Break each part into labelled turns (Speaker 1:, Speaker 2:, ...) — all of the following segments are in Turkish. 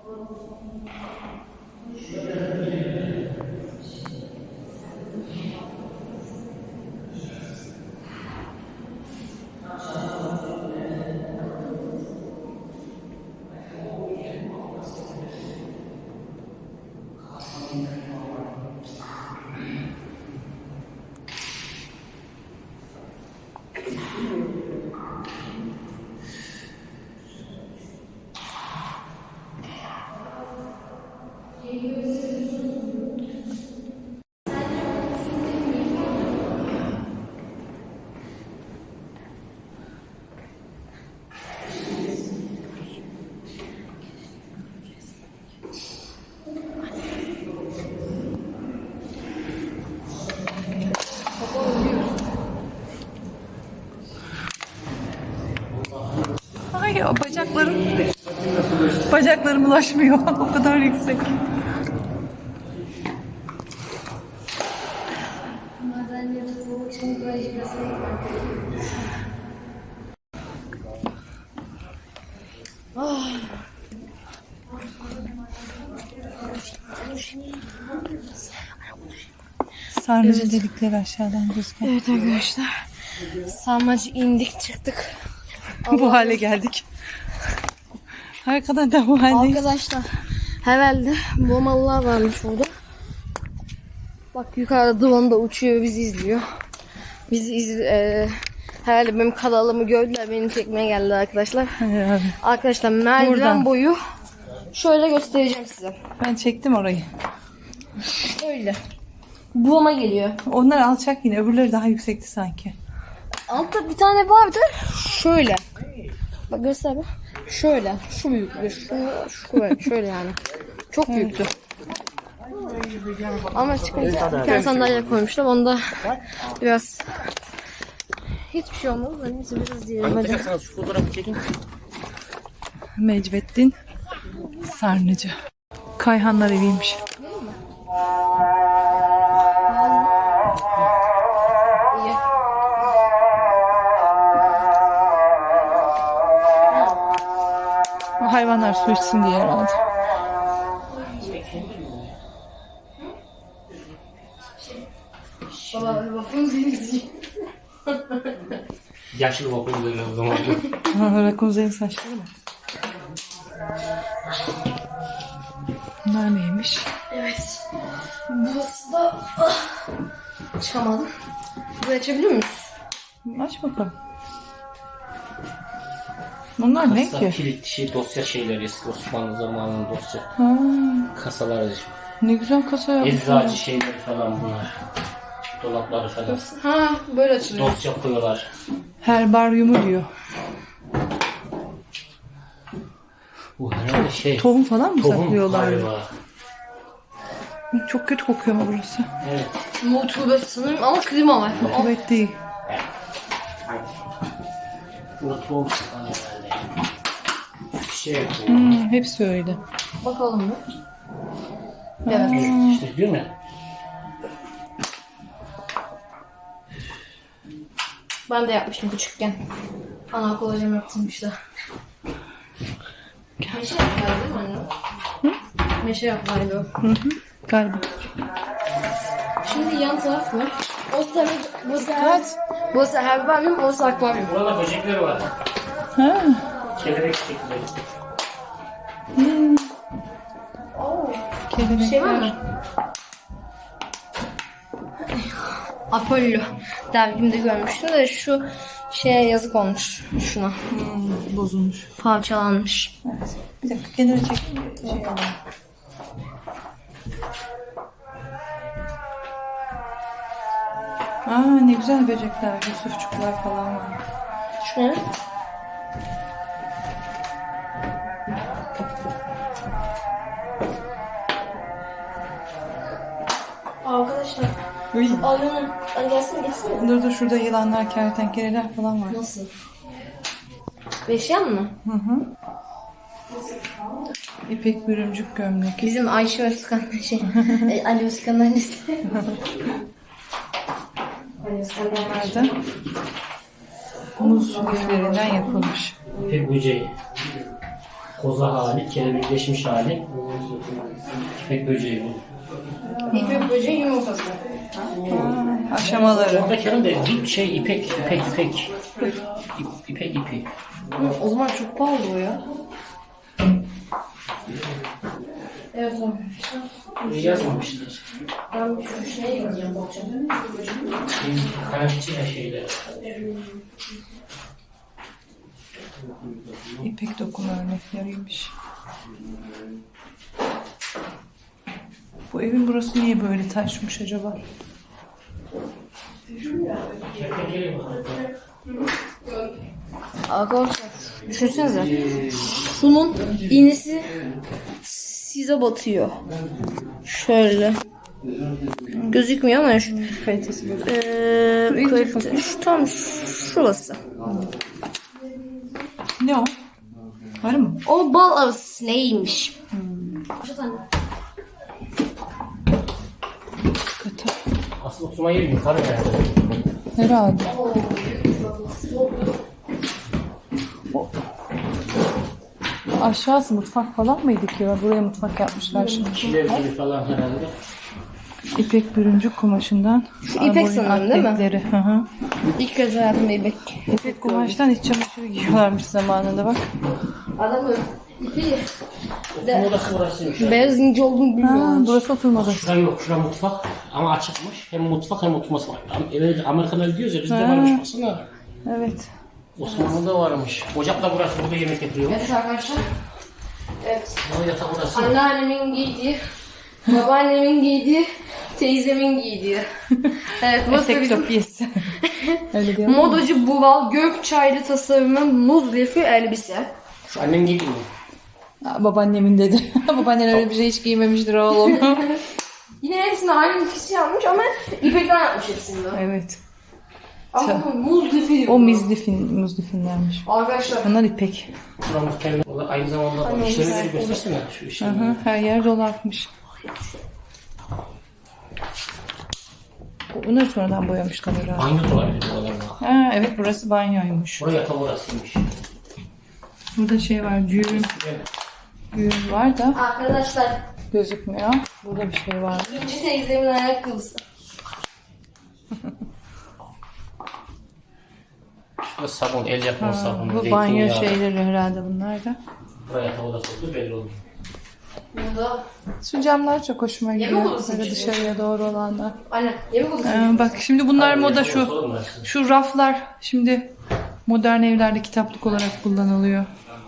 Speaker 1: Ay bacaklarım ulaşmıyor. O kadar yüksek. Sarnıcı delikleri aşağıdan gözüküyor.
Speaker 2: Evet arkadaşlar. Sarmacı indik çıktık.
Speaker 1: Bu hale geldik. Arkadan da bu haldeyiz.
Speaker 2: Arkadaşlar herhalde bomalılar varmış orada. Bak yukarıda drone da uçuyor, bizi izliyor. Herhalde benim kanalımı gördüler, beni çekmeye geldiler arkadaşlar.
Speaker 1: Herhalde.
Speaker 2: Arkadaşlar merdiven
Speaker 1: Buradan.
Speaker 2: boyu şöyle göstereceğim size.
Speaker 1: Ben çektim orayı.
Speaker 2: Şöyle. Buğuma geliyor.
Speaker 1: Onlar alçak yine. Öbürleri daha yüksekti sanki.
Speaker 2: Altta bir tane vardı. Şöyle. Bak göster bak. Şöyle. Şu büyüklüğü. Şöyle yani. Çok büyüktü. Ama çıkınca bir tane sandalye koymuşlar. Onda biraz hiçbir şey olmadı. Ben neyse biraz diyelim. Hadi.
Speaker 3: Şu fotoğrafı çekin.
Speaker 1: Mecbettin Sarnıcı. Kayhanlar eviymiş.
Speaker 2: İyi.
Speaker 1: Hayvanlar su içsin diye herhalde.
Speaker 2: Baba bakın denizi.
Speaker 3: Yaşlı vapur böyle o zaman.
Speaker 1: Rakunzel'in saçları mı? Bunlar neymiş?
Speaker 2: Evet. Burası da çıkamadım. Burayı açabiliyor muyuz?
Speaker 1: Aç bakalım. Bunlar ne ki?
Speaker 3: Kilit dosya şeyleri, eski Osmanlı zamanının dosya
Speaker 1: Ha,
Speaker 3: kasaları.
Speaker 1: ne güzel kasa yapmışlar.
Speaker 3: Eczacı şeyleri falan bunlar. Dolapları falan.
Speaker 2: Ha böyle açılıyor.
Speaker 3: Dosya koyuyorlar.
Speaker 1: Herbaryumu diyor.
Speaker 3: Bu herhalde şey.
Speaker 1: Tohum falan mı
Speaker 3: Tohum
Speaker 1: saklıyorlar?
Speaker 3: galiba.
Speaker 1: Çok kötü kokuyor ama burası.
Speaker 3: Evet.
Speaker 2: Rutubet sanırım ama klima var.
Speaker 1: Evet değil.
Speaker 3: Bu tohum falan herhalde. Şey yapıyor.
Speaker 1: Hepsi öyle.
Speaker 2: Bakalım mı? Evet.
Speaker 3: İşte değil mi?
Speaker 2: Ben de yapmıştım küçükken. Ana kolacım yaptırmıştı. Meşe yaptılar değil mi anne? Hı? Meşe yaptılardı o.
Speaker 1: Galiba.
Speaker 2: Şimdi yan taraf var. Burası herbaryum, orası akvaryum.
Speaker 3: Burada böcekler var.
Speaker 1: Ha.
Speaker 3: Kelebek çekilleri.
Speaker 2: Bir şey var mı? Apollo dergimde görmüştüm de şu şeye yazık olmuş şuna.
Speaker 1: Bozulmuş.
Speaker 2: Parçalanmış.
Speaker 1: Evet. Bir dakika kenara çekeyim. Şey alayım. Aa, ne güzel böcekler, yusufçuklar falan var.
Speaker 2: Şu ne? Arkadaşlar. Alın. Hadi gelsin geçsin.
Speaker 1: Dur şurada yılanlar, kertenkeleler falan var.
Speaker 2: Nasıl? Beşyan mı?
Speaker 1: Hı hı. İpek bürümcük gömlek.
Speaker 2: Bizim Ayşe Özkan Ali Özkan'ın annesi. Ali Özkan'ın annesi.
Speaker 1: Nerede? Muz liflerinden yapılmış.
Speaker 3: İpek böceği. Koza hali, kelebekleşmiş hali. İpek böceği bu.
Speaker 2: İpek böceği yumurtası.
Speaker 1: Aşamaları.
Speaker 3: Oradaki herhalde ipek. İpek ipi.
Speaker 2: O zaman çok pahalı o ya. Evet o.
Speaker 3: Yazmamışlar.
Speaker 2: Ben şu şeye gideceğim bakacağım.
Speaker 3: Karakçı şeyler.
Speaker 1: İpek dokuma örnekleriymiş. Bu evin burası niye böyle taşmış acaba?
Speaker 2: Arkadaşlar düşünsenize. Şunun iğnesi size batıyor. Şöyle. Gözükmüyor ama şu
Speaker 1: Kalitesi böyle.
Speaker 2: kalite. Şu tam şurası.
Speaker 1: Ne o? Arı mı?
Speaker 2: O bal arısı neymiş?
Speaker 1: Katı.
Speaker 3: Asıl oturma yeri yukarı herhalde.
Speaker 1: Herhalde. Aşağısı mutfak falan mıydı ki? Buraya mutfak yapmışlar şimdi.
Speaker 3: Kiler gibi falan herhalde.
Speaker 1: İpek bürüncük kumaşından.
Speaker 2: Şu ipek
Speaker 1: boyun
Speaker 2: sanırım değil mi?
Speaker 1: atletleri. Hı hı.
Speaker 2: İlk kez hayatımda İpek.
Speaker 1: İpek kumaştan iç çamaşırı giyiyorlarmış zamanında bak.
Speaker 2: Adamı ipi
Speaker 3: Oturma odası burasıymış.
Speaker 2: beyaz ince olduğunu
Speaker 1: Ha,
Speaker 2: bilmiyorum.
Speaker 1: burası oturma odası.
Speaker 3: Şura yok, şura mutfak ama açıkmış. Hem mutfak hem oturması var. Evet, Amerika'da gidiyoruz ya, bizde varmış baksana.
Speaker 1: Evet.
Speaker 3: Osmanlı'da varmış. Ocak da burası, burada yemek yapıyormuş.
Speaker 2: Evet arkadaşlar. Evet.
Speaker 3: Bu yatak burası.
Speaker 2: Anneannemin giydiği, babaannemin giydiği, teyzemin giydiği. Evet, burası
Speaker 1: Etek
Speaker 2: bizim
Speaker 1: topiyesi. Öyle diyor mu?
Speaker 2: modacı Buval Gökçaylı tasarımın muz lifi elbise.
Speaker 3: Şu annem giydi mi?
Speaker 1: Aa, babaannemin dedi. Babaannen öyle bir şey hiç giymemiştir oğlum.
Speaker 2: Yine hepsini aynı kişi yapmış ama İpek'ten yapmış hepsini.
Speaker 1: Evet.
Speaker 2: Ama muz lifi diyor.
Speaker 1: O muzlifinlermiş.
Speaker 2: Arkadaşlar.
Speaker 1: Bunlar ipek.
Speaker 3: Şura muhtemelen. Orada aynı zamanda işleri göstersene şu
Speaker 1: Hı
Speaker 3: işleri.
Speaker 1: hı, her yer dolapmış. Bunları sonradan boyamışlar herhalde.
Speaker 3: Banyo da olabilir buralarda.
Speaker 1: Ha, evet burası banyoymuş.
Speaker 3: Buraya yatak orasıymış.
Speaker 1: Burada şey var, düğün var da
Speaker 2: Arkadaşlar.
Speaker 1: gözükmüyor. Burada bir şey var.
Speaker 2: İkinci teyzemin ayakkabısı.
Speaker 3: Şurada sabun, el yapma sabunu.
Speaker 1: Bu banyo şeyleri herhalde bunlar da.
Speaker 3: Buraya yatak odası oldu belli oldu.
Speaker 2: Burada.
Speaker 1: Şu camlar çok hoşuma
Speaker 2: Yemek
Speaker 1: gidiyor.
Speaker 2: odası
Speaker 1: Böyle
Speaker 2: için.
Speaker 1: dışarıya doğru olanlar.
Speaker 2: Aynen. Yemek odası.
Speaker 1: Bak şimdi bunlar
Speaker 3: Hayır,
Speaker 1: moda
Speaker 3: yatak odası
Speaker 1: şu.
Speaker 3: olur mu dersin?
Speaker 1: Şu raflar şimdi modern evlerde kitaplık olarak kullanılıyor.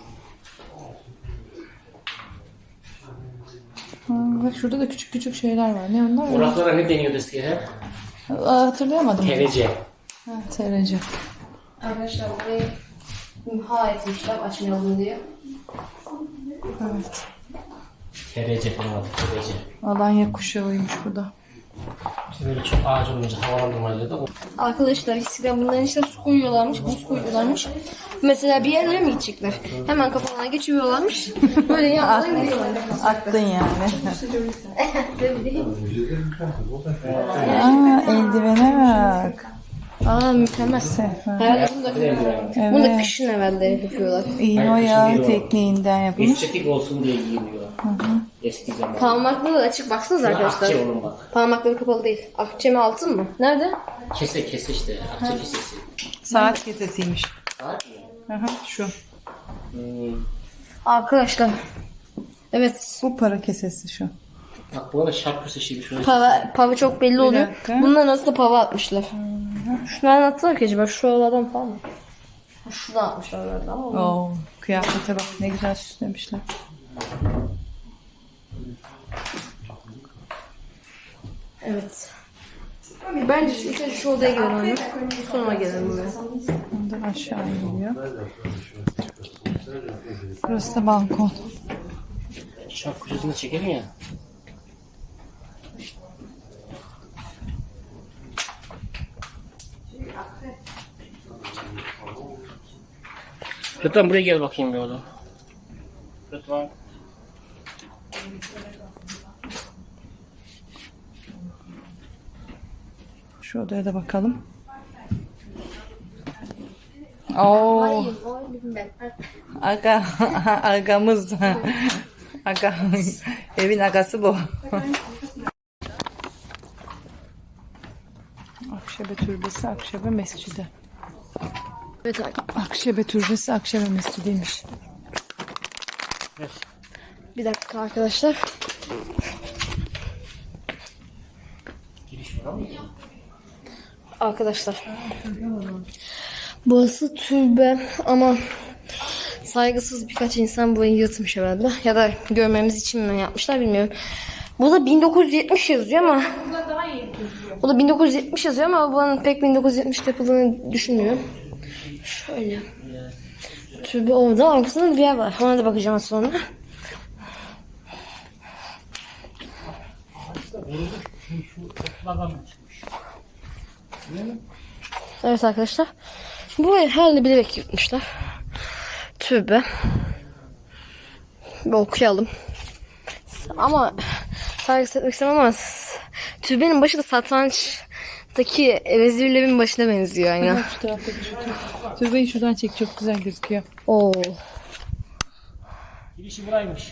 Speaker 1: Bak şurada da küçük küçük şeyler var. Ne onlar?
Speaker 3: Bu raflara ne deniyordu eskiden?
Speaker 1: Hatırlayamadım.
Speaker 3: TRC.
Speaker 1: Ha, TRC.
Speaker 2: Arkadaşlar burayı imha etmişler açmayalım diye.
Speaker 1: Evet.
Speaker 3: TRC falan adı, TRC.
Speaker 1: Alanya kuşağıymış bu da.
Speaker 3: İşte böyle çok ağaç olunca havalandırmayla da
Speaker 2: Arkadaşlar eskiden bunların içine su koyuyorlarmış, buz koyuyorlarmış. Mesela bir yerlere mi gidecekler? Hemen kafalarına geçiriyorlarmış. Böyle yandan gidiyorlar.
Speaker 1: Attın yani.
Speaker 2: Tabii değil.
Speaker 1: Aa, eldivene bak.
Speaker 2: Aa mükemmel. Herhalde bunu da
Speaker 1: Evet.
Speaker 2: kışın evvelde yapıyorlar.
Speaker 1: İğne oyağı tekniğinden yapılmış.
Speaker 3: estetik olsun diye giyiniyor. Eski zaman.
Speaker 2: Parmakları da açık baksanıza arkadaşlar.
Speaker 3: Akçe oğlum bak.
Speaker 2: Parmakları kapalı değil. Akçe mi altın mı? Nerede?
Speaker 3: Kese işte. Akçe kesesi.
Speaker 1: Saat kesesiymiş.
Speaker 3: Saat mi?
Speaker 1: Aha, şu.
Speaker 2: Arkadaşlar. Evet.
Speaker 1: Bu para kesesi şu.
Speaker 3: Bak bu arada şark köseşiymiş. Şöyle
Speaker 2: Pava çok belli oluyor.
Speaker 1: dakika.
Speaker 2: Bunlar nasıl da pava atmışlar. Şunları attılar ki acaba şuralardan falan mı? Şuradan atmışlar herhalde ama.
Speaker 1: Oo, kıyafete bak ne güzel süslemişler.
Speaker 2: Evet. Bence şu odaya girelim. Sonra gelelim buraya.
Speaker 1: Ondan aşağı iniyor. Burası da balkon.
Speaker 3: şark köşesinde çekelim ya. Lütfen buraya gel bakayım bir oğlum. Lütfen.
Speaker 1: Şu odaya da bakalım. Oo.
Speaker 2: Hayır, o ben.
Speaker 1: Aga, agamız. Aga, evin agası bu. Akşebe Türbesi, Akşebe Mescidi.
Speaker 2: Evet,
Speaker 1: Akşebe Türbesi, Akşebe Mescidiymiş.
Speaker 2: bir dakika arkadaşlar.
Speaker 3: Giriş var ama.
Speaker 2: Arkadaşlar. Burası türbe ama saygısız birkaç insan burayı yırtmış herhalde. Ya da görmemiz için mi yapmışlar bilmiyorum. Burada 1970 yazıyor ama bu da 1970 yazıyor ama buranın pek 1970 yapıldığını düşünmüyorum. Şöyle. Türbe orada, arkasında bir yer var. Ona da bakacağım az sonra.
Speaker 3: Şu okullardan çıkmış.
Speaker 2: Evet arkadaşlar. Bu herhalde bilerek yırtmışlar. Türbe. Bir okuyalım. Ama saygısız etmek istemem ama türbenin başı da satrançtaki vezirlerin başına benziyor aynı.
Speaker 1: Bak şu taraftaki türbeyi şuradan çek, çok güzel gözüküyor.
Speaker 2: Oo.
Speaker 3: Girişi buraymış.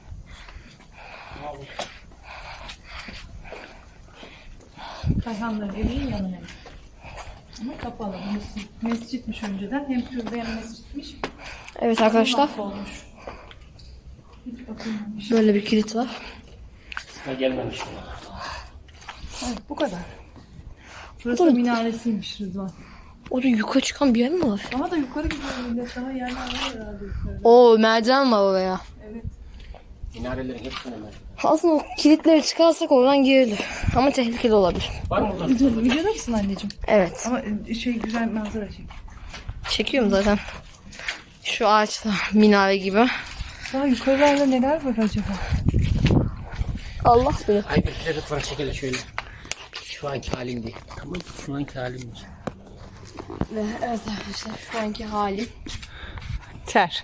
Speaker 1: Kayhanların evinin yanına. Ama kapalı. Mescitmiş önceden. Hem türbe hem mescitmiş.
Speaker 2: Evet arkadaşlar.
Speaker 1: Olmuş. Hiç bakılmamış.
Speaker 2: Böyle bir kilit var.
Speaker 3: Sıra gelmemiş.
Speaker 1: Evet, bu kadar. Burası da minaresiymiş Rıdvan.
Speaker 2: Orada yukarı çıkan bir yer mi var?
Speaker 1: Daha da yukarı gidiyor millet. Daha yerler var herhalde yukarıda.
Speaker 2: Oo, merdiven var oraya.
Speaker 1: Evet.
Speaker 3: Minarelerin hepsine mi?
Speaker 2: Aslında o kilitleri çıkarsak oradan girilir. Ama tehlikeli olabilir.
Speaker 3: Var mı burada?
Speaker 1: Videoda mısın anneciğim?
Speaker 2: Evet.
Speaker 1: Ama güzel manzara çek.
Speaker 2: Çekiyorum zaten. Şu ağaçlar minare gibi.
Speaker 1: Daha yukarılarda neler var acaba?
Speaker 2: Allah bilir.
Speaker 3: Ay bir kere lütfen çekelim şöyle. Şu anki halim değil. Tamam, şu anki halimmiş.
Speaker 2: Ve evet arkadaşlar şu anki halim.
Speaker 1: Ter.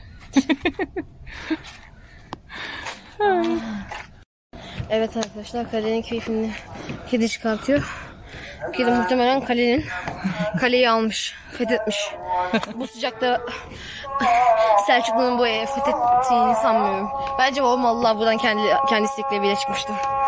Speaker 2: Evet arkadaşlar kalenin keyfini kedi çıkartıyor. Kedi muhtemelen kaleyi almış, fethetmiş. Bu sıcakta Selçuklu'nun bu evi fethettiğini sanmıyorum. Bence o mallar buradan kendi istekleri bile çıkmıştır.